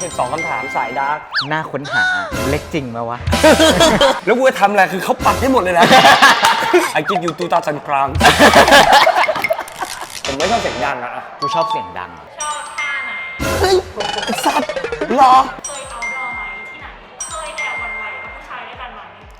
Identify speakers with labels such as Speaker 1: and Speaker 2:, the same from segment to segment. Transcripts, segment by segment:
Speaker 1: 12 คำถามสายดาร์ก
Speaker 2: น่าค้นหาเล็กจริงมาวะ
Speaker 1: แล้วกูจะทำอะไรคือเขาปัดให้หมดเลยนะ I give you 2,000 crowns ผมไม่ชอบเสียงดังอะ
Speaker 2: กูชอบเสียงดัง
Speaker 3: ชอบท่าไหน
Speaker 1: เฮ้ยไอ้สัตว์หรอ
Speaker 3: เคยเอาดอไหมที่ไหน เคยแอบหวั่นไหวกับผู้ชายด้วยกันไหม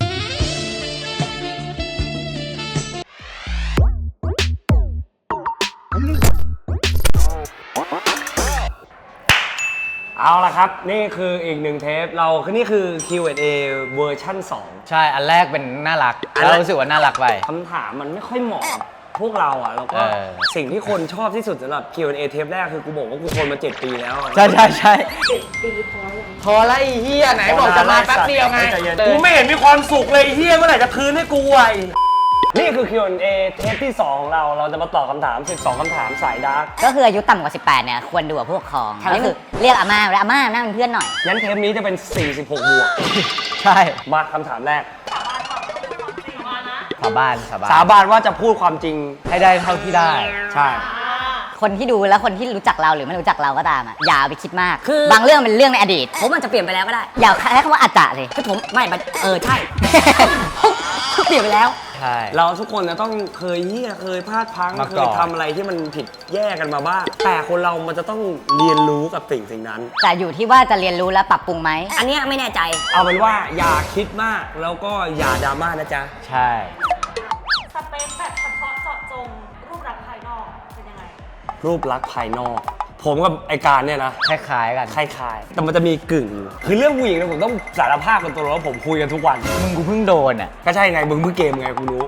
Speaker 1: เอาละครับ นี่คืออีกหนึ่งเทปเราคือนี่คือ Q&A เวอร์ชั่น
Speaker 2: ใช่ อันแรกเป็นน่ารัก
Speaker 1: อัน
Speaker 2: แล้ว
Speaker 1: แรก
Speaker 2: รู้สึกว่าน่ารักไป
Speaker 1: 2 คำถามมันไม่ค่อยเหมาะกับพวกเราอ่ะแล้วก็ สิ่งที่คนชอบที่สุดสำหรับ Q&A เทปแรกคือกูบอกว่ากูทนมา 7 ปีแล้วอะ
Speaker 2: ใช่ใช่ใช่
Speaker 3: ปีพอยัง
Speaker 2: พอละไอ้เฮียไหนบอกจะมาแป๊บเดียวไง
Speaker 1: กูไม่เห็นมีความสุขเลยไอ้เฮียเมื่อไหร่จะคืนให้กูไอ้นี่คือ Q&A เทปที่ 2 ของเราจะมาตอบคำถาม 12 คำถามสายดาร์ก
Speaker 4: ก็คืออายุต่ำกว่า 18 เนี่ย ควรดูกับผู้ปกครองก็คือเรียกอาม่าแล้วอาม่านั่งเป็นเพื่อนหน่อย
Speaker 1: งั้นเทปนี้จะเป็น 46 บวก
Speaker 2: ใช่
Speaker 1: มาคำถามแรก
Speaker 3: สาบานก่อนต้องเป็นความจริงมานะ
Speaker 2: สาบานสาบาน
Speaker 1: สาบานว่าจะพูดความจริง
Speaker 2: ให้ได้เท่าที่ได้
Speaker 1: ใช่
Speaker 4: คนที่ดูแล้วคนที่รู้จักเราหรือไม่รู้จักเราก็ตามอ่ะอย่าเอาไปคิดมากคือบางเรื่องเป็นเรื่องในอดีต ผมอาจจะเปลี่ยนไปแล้วก็ได้ อย่าใช้คำว่าอาจจะเลยคือผมไม่ใช่ เปลี่ยนไปแล้ว
Speaker 2: ใช่
Speaker 1: เราทุกคนจะต้องเคยเหี้ยเคยพลาดพลั้ง
Speaker 2: มา
Speaker 1: เค
Speaker 2: ก่
Speaker 1: ย
Speaker 2: อน
Speaker 1: ทำอะไรที่มันผิดแย่กันมาบ้างแต่คนเรามันจะต้องเรียนรู้กับสิ่งนั้น
Speaker 4: แต่อยู่ที่ว่าจะเรียนรู้และปรับปรุงไหมอันเนี้ยไม่แน่ใจ
Speaker 1: เอาเป็นว่าอย่าคิดมากแล้วก็อย่าดราม่านะจ๊ะ
Speaker 2: ใช่
Speaker 3: สเปคแบบเฉพาะเจาะจงรูปลักษณ์ภายนอกเป็นยังไง
Speaker 1: รูปลักษณ์ภายนอก ผมกับไอการเนี่ยนะ
Speaker 2: คล้ายๆกัน
Speaker 1: คล้ายๆแต่มันจะมีกึ่งอยู่คือเรื่องผู้หญิงเนี่ยผมต้องสารภาพกันตัวว่าผมคุยกันทุกวัน
Speaker 2: มึงกูเพิ่งโดนอ่ะ
Speaker 1: ก็ใช่ไงมึงเพิ่งเกมไงกูรู้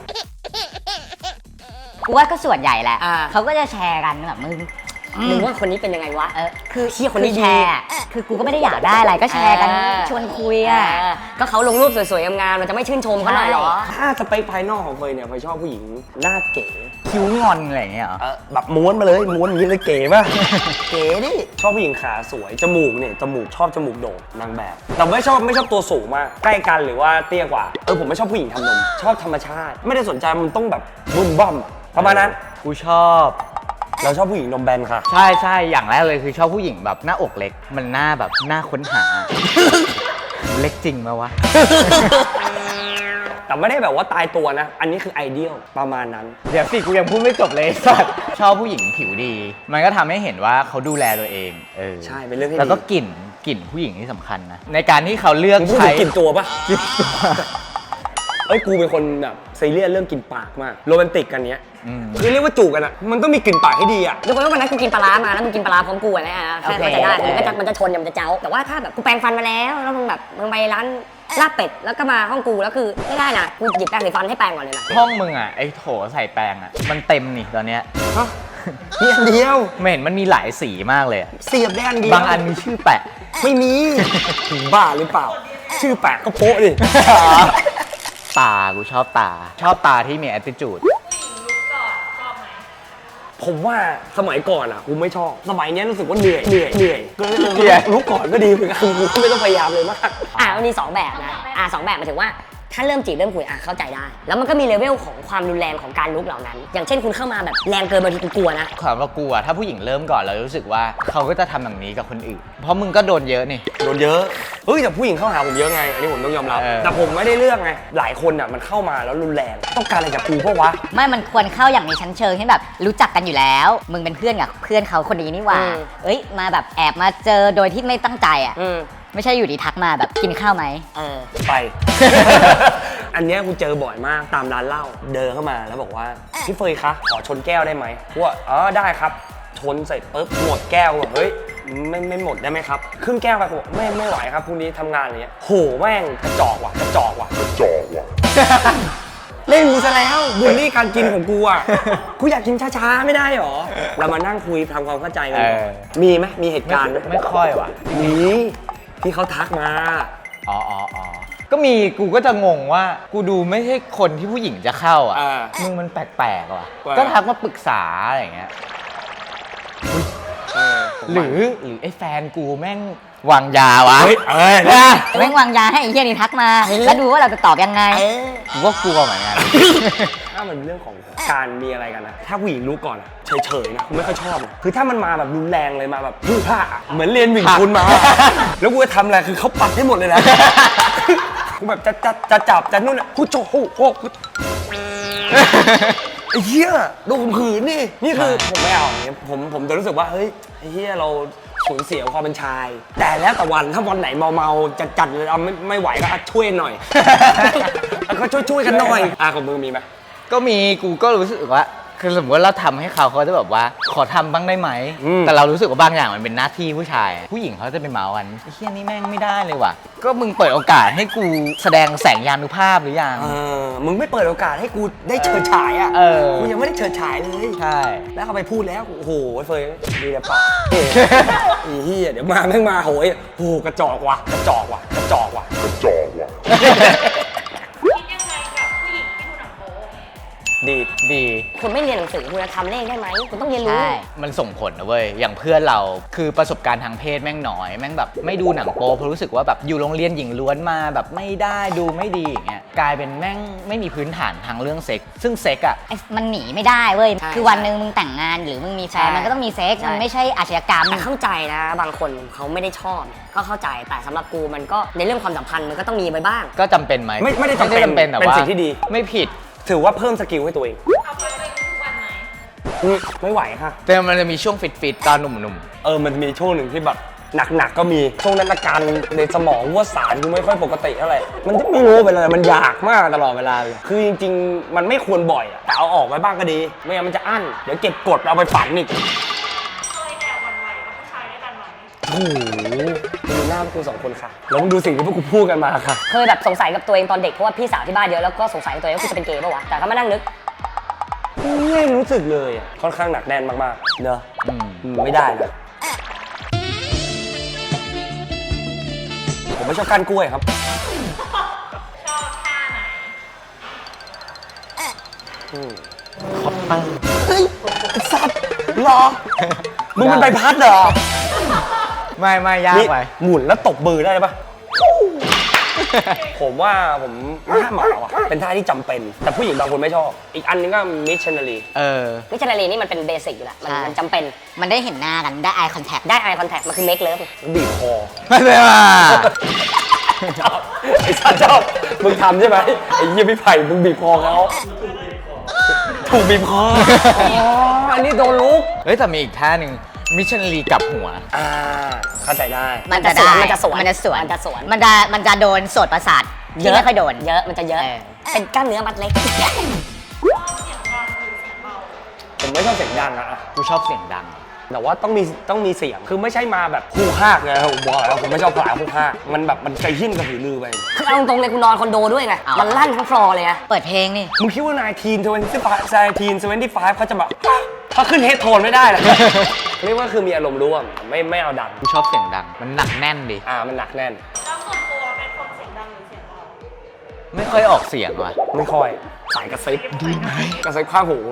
Speaker 4: กูว่าก็ส่วนใหญ่แหละ
Speaker 1: อ่า
Speaker 4: เขาก็จะแชร์กันแบบมึงว่าคนนี้เป็นยังไงวะคือเชี่ยคนนี้แชร์คือกูก็ไม่ได้อยากได้อะไรก็แชร์กันชวนคุยอ่ะก็เขาลงรูปสวยๆงามๆเราจะไม่ชื่นชมเขาหน่อยเหรอ
Speaker 1: ถ้าสเปคภายนอกของเฟยเนี่ยเฟยชอบผู้หญิงหน้าเก๋
Speaker 2: คิ้วงอนอะไรอย่างเงี้ยเหรอ
Speaker 1: แบบม้วนมาเลยม้วนอย่างนี้เลยเก๋ป่ะ เก๋ดิชอบผู้หญิงขาสวยจมูกเนี่ยจมูกชอบจมูกโด่งนางแบบแต่ไม่ชอบตัวสูงมากใกล้กันหรือว่าเตี้ยกว่าผมไม่ชอบผู้หญิงทำนมชอบธรรมชาติ ไม่ได้สนใจมันต้องแบบบึ้มบ้อมอะประมาณนั้น
Speaker 2: กูชอบ
Speaker 1: เราชอบผู้หญิงนมแบนค่ะ
Speaker 2: ใช่ใช่อย่างแรกเลยคือชอบผู้หญิงแบบหน้าอกเล็ก มันหน้าแบบหน้าค้นหา เล็กจริงมาวะ
Speaker 1: แต่ไม่ได้แบบว่าตายตัวนะ อันนี้คือไอเดียลประมาณนั้น
Speaker 2: เดี๋ยวสิกูยังพูดไม่จบเลยสัตว์ชอบผู้หญิงผิวดี มันก็ทำให้เห็นว่าเขาดูแลตัวเอง
Speaker 1: ใช่เป็นเรื่องที่ดี
Speaker 2: แล้วก็กลิ่นผู้หญิงที่สำคัญนะในการที่เขาเลือก
Speaker 1: มึงพูด
Speaker 2: ใช้
Speaker 1: ถึงกลิ่นตัวปะ
Speaker 2: กลิ่นตัว
Speaker 1: กูเป็นคนแบบซีเรียสเรื่องกลิ่นปากมากโรแมนติกกันเนี้ย
Speaker 2: อืม
Speaker 1: คือเรียกว่าจูบกันอะมันต้องมีกลิ่นปากให้ดีอะ
Speaker 4: ยกเว้นว่าวันนั้นกูกินปลาร้ามาแล้วมึงกินปลาร้าพร้อมกูอะไรแค่เข้าใจได้มันจะชนมันจะเจ้าแต่ว่าถ้าแบบกูแปรงฟันมาแล้วมึงแบบมึงไปร้านลาบเป็ดแล้วก็มาห้องกูแล้วคือไม่ได้นะกูหยิบแปรงสีฟันให้แปรงก่อนเลยนะ
Speaker 2: ห้องมึงอ่ะไอ้โถใส่แปรงอ่ะมันเต็มนี่ตอนเนี้ย
Speaker 1: ฮะมีอันเดียว
Speaker 2: ไม่เห็นมันมีหลายสีมากเลยอะ
Speaker 1: เสียบได้อันเดียว
Speaker 2: บางอันมีชื่อแปะ
Speaker 1: ไม่มีถึงบ้าหรือเปล่า ชื่อแปะก็โป๊ะดิ
Speaker 2: ตากูชอบตาที่มี attitude
Speaker 3: ผู้หญิงลุกก่อนชอบไหม
Speaker 1: ผมว่าสมัยก่อนอ่ะกูไม่ชอบ สมัยเนี้ยรู้สึกว่าเหนื่อยก็
Speaker 2: เกลียด
Speaker 1: รู้ก่อนก็ดีเหมือนกันกูไม่ต้องพยายามเลยมาก
Speaker 4: มันมี2แบบนะ2แบบหมายถึงว่าถ้าเริ่มจีบเริ่มคุยเข้าใจได้ แล้วมันก็มีเลเวลของความรุนแรงของการลุกเหล่านั้น อย่างเช่นคุณเข้ามาแบบแรงเกินบางทีกูกลัวนะ
Speaker 2: ความว่ากลัวถ้าผู้หญิงเริ่มก่อนเรารู้สึกว่าเขาก็จะทำแบบนี้กับคนอื่น เพราะมึงก็โดนเยอะนี่
Speaker 1: โดนเยอะเฮ้ยแต่ผู้หญิงเข้าหาผมเยอะไง อันนี้ผมต้องยอมรับ แต่ผมไม่ได้เลือกไง หลายคนอ่ะมันเข้ามาแล้วรุนแรง ต้องการอะไรจากกูเพราะวะ
Speaker 4: ไม่มันควรเข้าอย่างมีชั้นเชิงที่แบบรู้จักกันอยู่แล้ว มึงเป็นเพื่อนกับเพื่อนเขาคนนี้นี่หว่ามาแบบแอบมาเจอโดยที่ไม่ตั้งใจไม่ใช่อยู่ดีทักมาแบบกินข้าวไหม
Speaker 1: ไป อันเนี้ยกูเจอบ่อยมากตามร้านเหล้าเดินเข้ามาแล้วบอกว่าพี่เฟยคะขอชนแก้วได้ไหมกูว่าได้ครับชนเสร็จปุ๊บหมดแก้วบอกเฮ้ยไม่หมดได้ไหมครับครึ่งแก้วไปผมบอกไม่ไหวครับพรุ่งนี้ทำงานอะไรเงี้ยโหแม่งกระจอกว่ะเล่นกูซะแล้วบูลลี่การกินของกูอ่ะกูอยากกินช้าๆไม่ได้หรอเรามานั่งคุยทำความเข้าใจกันก่อนมีไหมมีเหตุการณ์ไหม
Speaker 2: ไม่ค่อยว่ะ
Speaker 1: มีที่เขาทักมา
Speaker 2: อ๋อก็มีกูก็จะงงว่ากูดูไม่ใช่คนที่ผู้หญิงจะเข้าอ่ะมึงมันแปลกๆว่ะก็ทักมาปรึกษาอะไรอย่างเงี้ยหรือไอ้แฟนกูแม่งวางยาวะ
Speaker 4: แม่งวางยาให้ไอ้เหี้ยนี่ทักมาแล้วดูว่าเราจะตอบยังไง
Speaker 2: กูก็กลัวเหมือนกัน
Speaker 1: มันเป็นเรื่องของการมีอะไรกันนะถ้าผู้หญิงรู้ก่อนอะเฉยๆนะไม่ค่อยชอบเลยคือถ้ามันมาแบบรุนแรงเลยมาแบบพึ่งผ้าอะเหมือนเรียนวิ่งคุณมา แล้วกูจะทำอะไรคือเขาปัดให้หมดเลยนะ กูแบบจะจับจะนู่นอ่ะกูโจโหไอ้เหี้ยโดนข่มขืนนี่คือผมไม่เอาอย่างเงี้ยผมจะรู้สึกว่าเฮ้ยไอ้เหี้ยเราสูญเสียความเป็นชาย แต่แล้วแต่วันถ้าวันไหนเมาๆจัดเลยเอาไม่ไหวก็ช่วยหน่อย ก็ช่วยกันหน่อยของมึงมีไหม
Speaker 2: ก็มีกูก็รู้สึกว่าคือสมมติว่าเราทำให้เขาจะแบบว่าขอทำบ้างได้ไหมแต่เรารู้สึกว่าบางอย่างมันเป็นหน้าที่ผู้ชายผู้หญิงเขาจะไปเมากันไอ้เฮียนี่แม่งไม่ได้เลยว่ะก็มึงเปิดโอกาสให้กูแสดงแสงยานุภาพหรือยัง
Speaker 1: มึงไม่เปิดโอกาสให้กูได้เฉิดฉายอ่ะกูยังไม่ได้เฉิดฉายเลย
Speaker 2: ใช่
Speaker 1: แล้วเขาไปพูดแล้วโอ้โหเฟยดีแต่ปากไอ้เหี้ยเดี๋ยวมาแม่งมาโหยโอ้โหกระจอกว่ะ
Speaker 3: คิดยังไงกับผู้หญิงที่ดูหนังโป๊
Speaker 2: ดี
Speaker 4: คุณไม่เรียนหนังสือคุณจะทำเลขได้ไหมคุณต้องเรียนรู้
Speaker 2: มันส่งผลนะเว้ยอย่างเพื่อนเราคือประสบการณ์ทางเพศแม่งน้อยแม่งแบบไม่ดูหนังโป๊เพราะรู้สึกว่าแบบอยู่โรงเรียนหญิงล้วนมาแบบไม่ได้ดูไม่ดีอย่างเงี้ยกลายเป็นแม่งไม่มีพื้นฐานทางเรื่องเซ็กซึ่งเซ็กอ่ะ
Speaker 4: มันหนีไม่ได้เว้ย
Speaker 1: ใช่
Speaker 4: คือวันหนึ่งมึงแต่งงานหรือมึงมีแฟน
Speaker 1: ใช่
Speaker 4: มันก็ต้องมีเซ็กซ์
Speaker 1: ใช่
Speaker 4: มันไม่ใช่อาชญากรรม
Speaker 5: แต่เข้าใจนะบางคนเขาไม่ได้ชอบ ก็เข้าใจแต่สำหรับกูมันก็ในเรื่องความสัมพันธ์มันก็ต้องมีไปบ้าง
Speaker 2: ก็จำเป็นไหม
Speaker 1: ไม่ได้จำเป็น
Speaker 2: แต่
Speaker 1: เป็น
Speaker 2: ว่า
Speaker 1: สิ่งที่ดี
Speaker 2: ไม่ผิด
Speaker 1: ถือว่าเพิ่มสกิลให้ตัวเอง
Speaker 3: เอาไปเป็นทุกวันไหม
Speaker 1: ไม่ไหวค่ะ
Speaker 2: แต่มันจะมีช่วงฟิตๆตอนหนุ่ม
Speaker 1: มันมีช่วงหนึ่งที่แบบหนักๆก็มีช่วงนั้นอาการในสมองว่าสารกูไม่ค่อยปกติเท่าไหร่มันจะไม่รู้ไปเลยมันอยากมากตลอดเวลาเลยคือจริงๆมันไม่ควรบ่อยอะแต่เอาออกไว้บ้างก็ดีไม่งั้นมันจะอั้นเดี๋ยวเก็บกดเอาไปฝังอีก
Speaker 3: เคยแอบหวั่นไหวกับผู้ชายด้วยกันไหม
Speaker 1: โอ้โหดูหน้าพวกกูสองคนค่ะแล้วมึงดูสิ่งที่พวกกูพูดกันมาค่ะ
Speaker 5: เคยแบบสงสัยกับตัวเองตอนเด็กเพราะว่าพี่สาวที่บ้านเยอะแล้วก็สงสัยกับตัวเองว่ากูจะเป็นเกย์ป่าวะแต่ก็มานั่งนึก
Speaker 1: ไม่รู้สึกเลยอะค่อนข้างหนักแน่นมากๆเนอะไม่ได้เลยผมไม่ชอบก้านกล้วยครับ
Speaker 3: ชอบท่าไหน
Speaker 2: ๆคอปเตอร์
Speaker 1: เฮ้ยไอ้สัตว์เหรอ มึงเป็นใบพัดเหรอ
Speaker 2: ไม่ยากไป
Speaker 1: หมุนแล้วตบมือได้ปะผมว่าผมท่าหมาว่ะเป็นท่าที่จำเป็น แต่ผู้หญิงบางคนไม่ชอบ อีกอันนึงก็มิชชันนารี
Speaker 5: มิชชันนารีนี่มันเป็นเบสิกอยู่แล้วมันจำเป็น
Speaker 4: มันได้เห็นหน้ากันได้ eye contact
Speaker 5: ได้ eye contact มันคือ make love
Speaker 1: บีบคอ
Speaker 2: ไม่เป็นไร
Speaker 1: ชอบไอ้สัตว์ชอบมึงทำใช่ไหมไอ้เยี่ยพี่ไผ่มึงบีบคอเขาถูกบีบคออันนี้โดนลุก
Speaker 2: เฮ้ยแต่มีอีกท่าหนึ่งมิชชันนารีกลับหัว
Speaker 1: เข้าใจได้
Speaker 4: มันจะได้
Speaker 5: มันจะสวน
Speaker 4: มันจะสวน
Speaker 5: มันจะสวน
Speaker 4: มันจะโดนโสดประสาทที่ไม่ค่อยโดน
Speaker 5: เยอะมันจะเยอะ
Speaker 4: เออ
Speaker 5: เป็นกล้ามเนื้อมัดเล็ก
Speaker 3: ชอบเสียงดังหรือเสียงเบา
Speaker 1: ผมไม่ชอบเสียงดังอะ
Speaker 2: กูชอบเสียงดัง
Speaker 1: แต่ว่าต้องมีเสียง คือไม่ใช่มาแบบคู่ฮากไงผมบอกแล้วผมไม่ชอบผลาคู่ฮากมันแบบมันกระหิ้นกระหือรือไป
Speaker 5: คือเอาตรงๆเลยกูนอนคอนโดด้วยไง
Speaker 4: เอา
Speaker 5: มันลั่นทั้งฟลอร์เลยอะ
Speaker 4: เปิดเพลงนี่
Speaker 1: มึงคิดว่านายทีน25เขาจะแบบเขาขึ้นเฮดโทนไม่ได้หรอ เรียกว่าคือมีอารมณ์ร่วมไม่เอาดัง
Speaker 2: กูชอบเสียงดัง มันหนักแน่นดิ
Speaker 1: มันหนักแน่น
Speaker 3: แล้วส่วนตัวเป็นคนเสียงดังหรือเสียงเบา
Speaker 2: ไม่ค่อยออกเสียงว่ะ
Speaker 1: ไม่ค่อยสายกระซิบดีไหมกระซิบข้างหู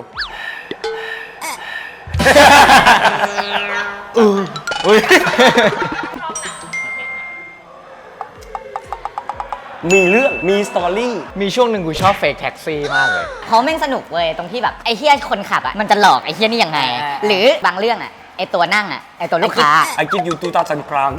Speaker 2: อุ้ย
Speaker 3: ชอบหนังประเภทไหน
Speaker 1: มีเรื่องมีสตอรี่
Speaker 2: มีช่วงหนึ่งกูชอบเฟกแท็กซี่มากเลย
Speaker 4: เพราะแม่งสนุกเว้ยตรงที่แบบไอ้เฮียคนขับอ่ะมันจะหลอกไอ้เฮียนี่ยังไง หรือบางเรื่องอ่ะไอ้ตัวนั่งอ่ะไอ้ตัวลูกค้า
Speaker 1: I give you 2,000 crowns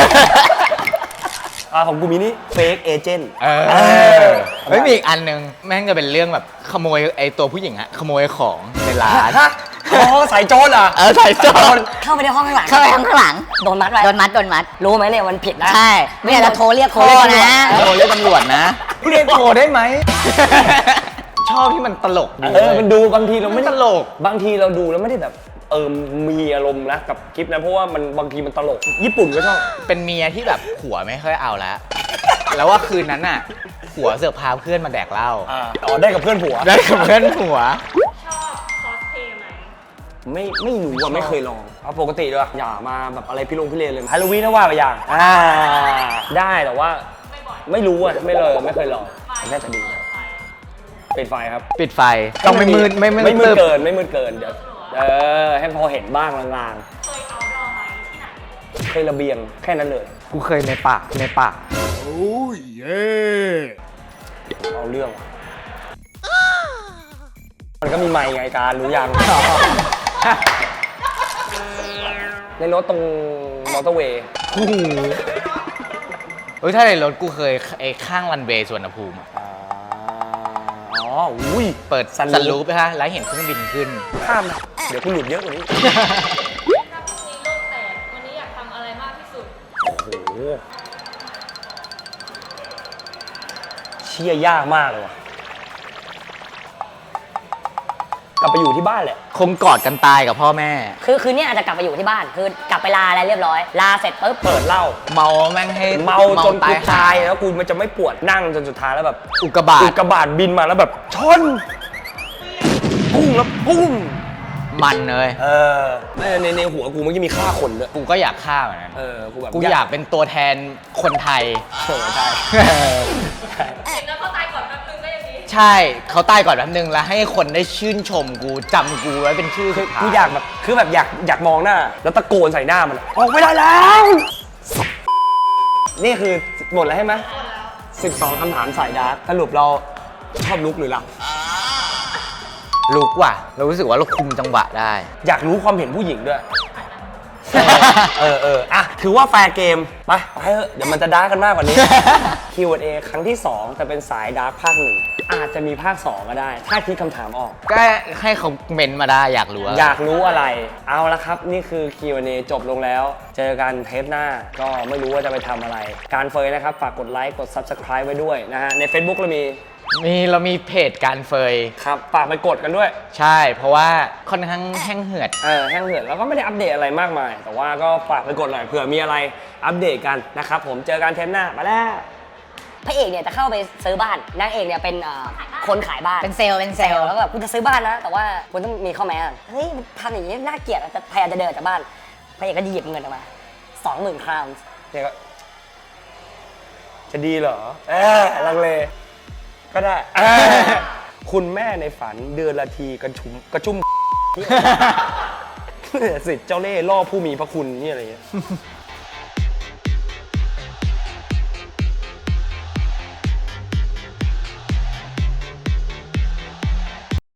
Speaker 1: ของกูมีนี่ fake agent
Speaker 2: เฮ้ยมีอีกอันหนึงแม่งจะเป็นเรื่องแบบขโมยไอ้ตัวผู้หญิงอะขโมยของในร้าน
Speaker 1: ฮะสายโจรอ่ะ
Speaker 2: ใส่จอน
Speaker 5: เข้าไปในห้องข้างหลัง
Speaker 4: เข้าไปข้างหลัง
Speaker 5: โดนมัดไว้
Speaker 4: โดนมัด
Speaker 5: รู้ไหมเนี่ยมันผิดนะ
Speaker 4: ใช่ไม่อยากจะโทรเรียก
Speaker 5: โทร
Speaker 4: พ่อ
Speaker 5: เรียก
Speaker 4: นะ
Speaker 2: โทรเรียกตำรวจนะเรียกโทรได้ไหม ชอบที่มันตลกดี
Speaker 1: มันดูบางทีเราไม่
Speaker 2: ตลก
Speaker 1: บางทีเราดูแล้วไม่ได้แบบมีอารมณ์นะกับคลิปนะเพราะว่ามันบางทีมันตลก ญี่ปุ่นก็ชอบ
Speaker 2: เป็นเมียที่แบบผัวไม่ค่อยเอาแล้ว แล้วว่าคืนนั้นน่ะผัวเสือกพาเพื่อนมาแดกเหล้า
Speaker 1: ได้กับเพื่อนผัว
Speaker 2: ได้กับเพื่อนผัว
Speaker 3: ชอบคอสเพลย์ไหม
Speaker 1: ไม่รู้อ่ะไม่เคยลองเอาปกติด้วยอย่ามาแบบอะไรพี่เลนเลยฮาโลวีนถ้าว่าไปอย่างได้แต่ว่า
Speaker 3: ไม่บ่อย
Speaker 1: ไม่รู้อ่ะไม่เคยลองน่าจะดี
Speaker 3: ไป
Speaker 1: ปิดไฟครับ
Speaker 2: ปิดไฟต้องไม่มืดไม่
Speaker 1: ไม่มืด
Speaker 2: ตึบ
Speaker 1: เกินเดี๋ยวให้พอเห็นบ้างลาง
Speaker 3: เคยเอาดอไหมที่ไหน
Speaker 1: ๆเคยระเบียงแค่นั้นเลย
Speaker 2: กูเคยในป่า
Speaker 1: เอาเรื่องว่ะมันก็มีไมค์ไงการรู้ยัง ในรถตรงมอเตอร์เวย์
Speaker 2: เฮ้ยถ้าในรถกูเคยไอ้ข้างรันเวย์สวนภูมิอะ
Speaker 1: อ๋ออุ้ย
Speaker 2: เปิด
Speaker 1: ซัน
Speaker 2: สัน
Speaker 1: รู
Speaker 2: รู
Speaker 1: ฟ
Speaker 2: ปไปฮะแล้วเห็นเครื่องบินขึ้น
Speaker 1: ข้ามนะเดี๋ยวกูหลุดเยอะกว่านี้
Speaker 3: ถ้าพรุ่งนี้โลกแตก วันนี้อยากทำอะไรมากที่สุด
Speaker 1: โอ้โหเชี่ยยากมากเลยว่ะ กลับไปอยู่ที่บ้านแหละ
Speaker 2: คงกอดกันตายกับพ่อแม่
Speaker 5: คือเนี่ยอาจจะกลับไปอยู่ที่บ้าน คือกลับไปลาอะไรเรียบร้อย ลาเสร็จปุ๊บ
Speaker 1: เปิดเหล้า
Speaker 2: เมาแม่งให้
Speaker 1: เมาจนกูตาย
Speaker 2: ห
Speaker 1: แล้วกูมันจะไม่ปวดนั่งจนสุดท้ายแล้วแบบ
Speaker 2: อุกกาบา
Speaker 1: อุ
Speaker 2: ต
Speaker 1: กกาบาตบินมาแล้วแบบชนปุ้งแล้วปุ้ง
Speaker 2: มันเลย
Speaker 1: ในหัวกูมันจะมีฆ่าคนด้วย
Speaker 2: กูก็อยากฆ่าเหมือนกัน
Speaker 1: กูแบบ
Speaker 2: กูอยากเป็นตัวแทนคนไทย
Speaker 1: ใช่
Speaker 3: เห็นแล้วเขาตายก่อนแป๊บนึงก็ยังดี
Speaker 2: ใช่เขาตายก่อนแป๊บนึงแล้วให้คนได้ชื่นชมกูจำกูไว้เป็นชื่อสุดท้าย
Speaker 1: กูอยากแบบคือแบบอยากมองหน้า แล้วตะโกนใส่หน้ามันออกไม่ได้แล้ว นี่คือหมดแล้วใช่ไหม12คำถามสายดาร์กสรุปเราชอบลุกหรือหลับ
Speaker 2: ลุกว่ะ เรารู้สึกว่าเราคุมจังหวะได้
Speaker 1: อยากรู้ความเห็นผู้หญิงด้วย อ่ะถือว่าแฟร์เกม ไปเถอะเดี๋ยวมันจะดาร์กกันมากกว่านี้ Q&A ครั้งที่ 2 จะเป็นสายดาร์กภาค 1 อาจจะมีภาค 2 ก็ได้ ถ้าคิดคำถามออก
Speaker 2: ก็ให้เขาเมนต์มาได้อยากรู้ว่า
Speaker 1: อยากรู้อะไร เอาละครับ นี่คือ Q&A จบลงแล้ว เจอกันเทปหน้า ก็ไม่รู้ว่าจะไปทำอะไร การเฟยนะครับ ฝากกดไลค์ กด Subscribe ไว้ด้วยนะฮะ ใน Facebook เรามี
Speaker 2: เพจการเฟย
Speaker 1: ครับ ฝากไปกดกันด้วย
Speaker 2: ใช่ เพราะว่าค่อนข้างแห้งเหือด
Speaker 1: แห้งเหือดแล้วก็ไม่ได้อัปเดตอะไรมากมาย แต่ว่าก็ฝากไปกดหน่อยเผื่อมีอะไรอัปเดตกันนะครับผม เจอกันเทปหน้า ไปแล้ว
Speaker 5: พระเอกเนี่ยจะเข้าไปซื้อบ้าน นางเอกเนี่ยเป็นคนขายบ้าน
Speaker 4: เป็นเซลล์เป็นเซลล์
Speaker 5: แล้วก็แบบคุณจะซื้อบ้านนะ แต่ว่าคุณต้องมีข้อแม้อะเฮ้ยมันทำอย่างนี้น่าเกลียดอะจะพยายามจะเดินจากบ้าน พระเอกก็หยิบเงินออกมา 20,000 คราวน์
Speaker 1: เนี่ยก็จะดีเหรอลังเล ก็ได้ คุณแม่ในฝันเดือนละทีกระชุ่ม สิทธิ์เจ้าเล่ห์ล่อผู้มีพระคุณนี่อะไรเงี้ย